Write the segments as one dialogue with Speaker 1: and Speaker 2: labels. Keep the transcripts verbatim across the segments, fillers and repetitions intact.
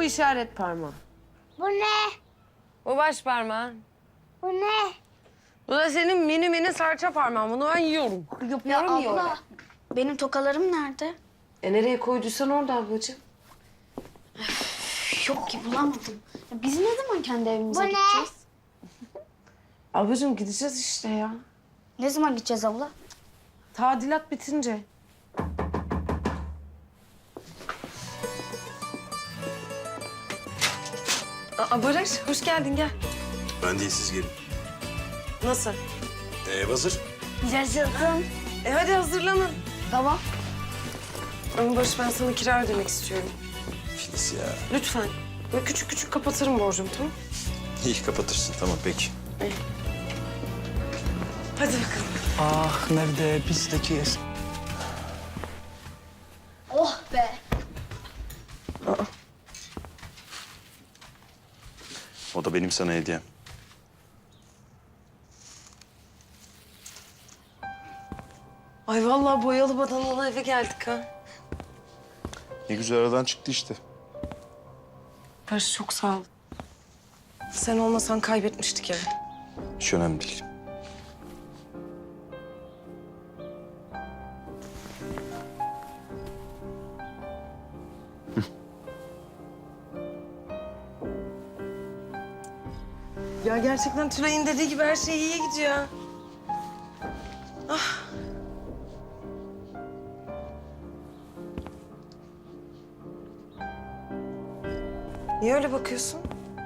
Speaker 1: bu işaret parmağı.
Speaker 2: Bu ne?
Speaker 1: Bu baş parmağın.
Speaker 2: Bu ne?
Speaker 1: Bu da senin mini mini serçe parmağın. Bunu ben yiyorum.
Speaker 2: Ya abla, benim tokalarım nerede?
Speaker 1: E nereye koyduysan orada ablacığım.
Speaker 2: Yok ki bulamadım. Ya biz ne zaman kendi evimize
Speaker 3: Bu ne?
Speaker 2: gideceğiz?
Speaker 1: Ablacığım gideceğiz işte ya.
Speaker 2: Ne zaman gideceğiz abla?
Speaker 1: Tadilat bitince. Aa, Barış, hoş geldin gel.
Speaker 4: Ben değil, siz gelin.
Speaker 1: Nasıl?
Speaker 4: Ee, hazır.
Speaker 2: Yaşasın.
Speaker 1: E hadi hazırlanın.
Speaker 2: Tamam.
Speaker 1: Ama Barış ben sana kira ödemek istiyorum.
Speaker 4: Filiz ya.
Speaker 1: Lütfen. Böyle küçük küçük kapatırım borcumu tamam?
Speaker 4: İyi kapatırsın, tamam peki.
Speaker 1: Hadi bakalım.
Speaker 5: Ah nerede bizdeki es...
Speaker 2: Oh be.
Speaker 4: O da benim sana hediyem.
Speaker 1: Ay vallahi boyalı badanalı eve geldik ha.
Speaker 4: Ne güzel aradan çıktı işte.
Speaker 1: Barış çok sağ ol. Sen olmasan kaybetmiştik evi.
Speaker 4: Hiç önemli değil.
Speaker 1: Ya gerçekten Tülay'ın dediği gibi her şey iyiye gidiyor. Ah. Niye öyle bakıyorsun?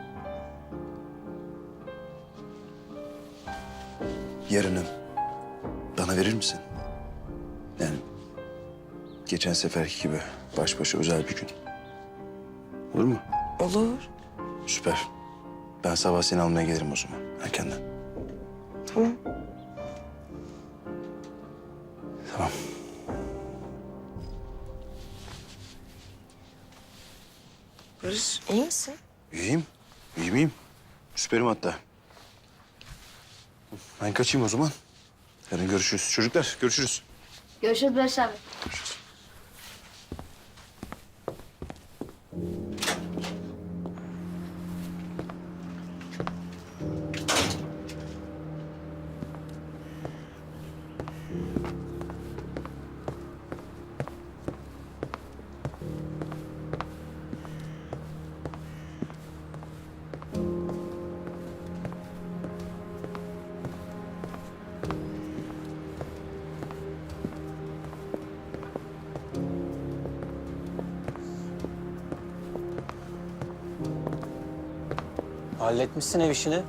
Speaker 4: Yarını bana verir misin? Yani geçen seferki gibi baş başa özel bir gün. Olur mu?
Speaker 1: Olur.
Speaker 4: Süper. Ben sabah seni almaya gelirim o zaman erkenden.
Speaker 1: Tamam.
Speaker 4: Tamam.
Speaker 1: Barış iyi misin?
Speaker 4: İyiyim. İyi miyim? Süperim hatta. Ben kaçayım o zaman. Yarın görüşürüz. Çocuklar görüşürüz.
Speaker 2: Görüşürüz Barış abi.
Speaker 4: Görüşürüz.
Speaker 5: Halletmişsin ev işini.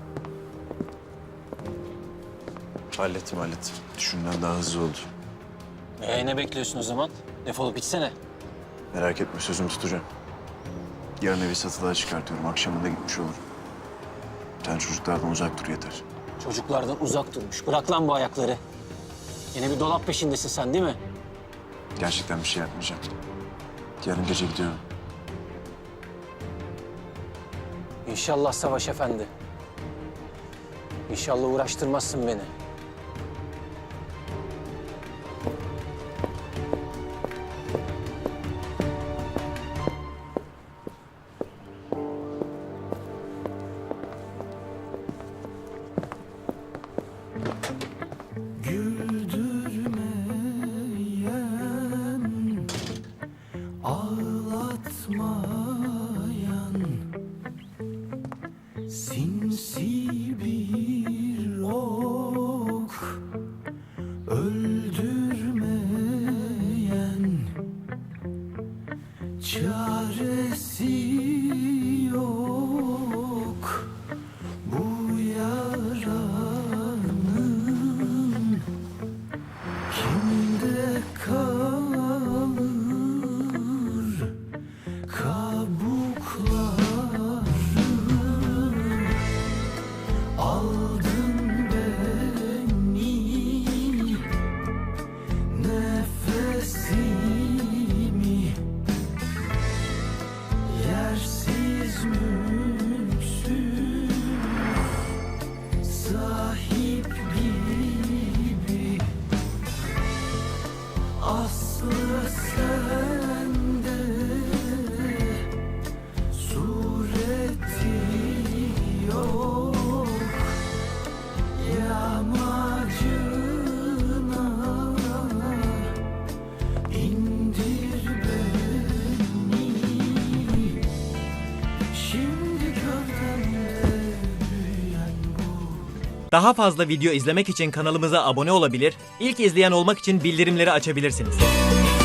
Speaker 4: Hallettim hallettim. Düşündüğümden daha hızlı oldu.
Speaker 5: Ee, ne bekliyorsun o zaman? Defolup gitsene.
Speaker 4: Merak etme sözümü tutacağım. Yarın evi satılığa çıkartıyorum. Akşamında gitmiş olurum. Sen çocuklardan uzak dur yeter.
Speaker 5: Çocuklardan uzak durmuş. Bırak lan bu ayakları. Yine bir dolap peşindesin sen değil mi?
Speaker 4: Gerçekten bir şey yapmayacağım. Yarın gece gidiyorum.
Speaker 5: İnşallah Savaş Efendi. İnşallah uğraştırmazsın beni.
Speaker 6: Sinsi bir ok öldürmeyen çaresi yok bu yaranın kimde kalır kabukları. Aldın beni, nefesimi yersin. amacına indir beni. Şimdi gövdemde büyüyen bu.
Speaker 3: Daha fazla video izlemek için kanalımıza abone olabilir, ilk izleyen olmak için bildirimleri açabilirsiniz.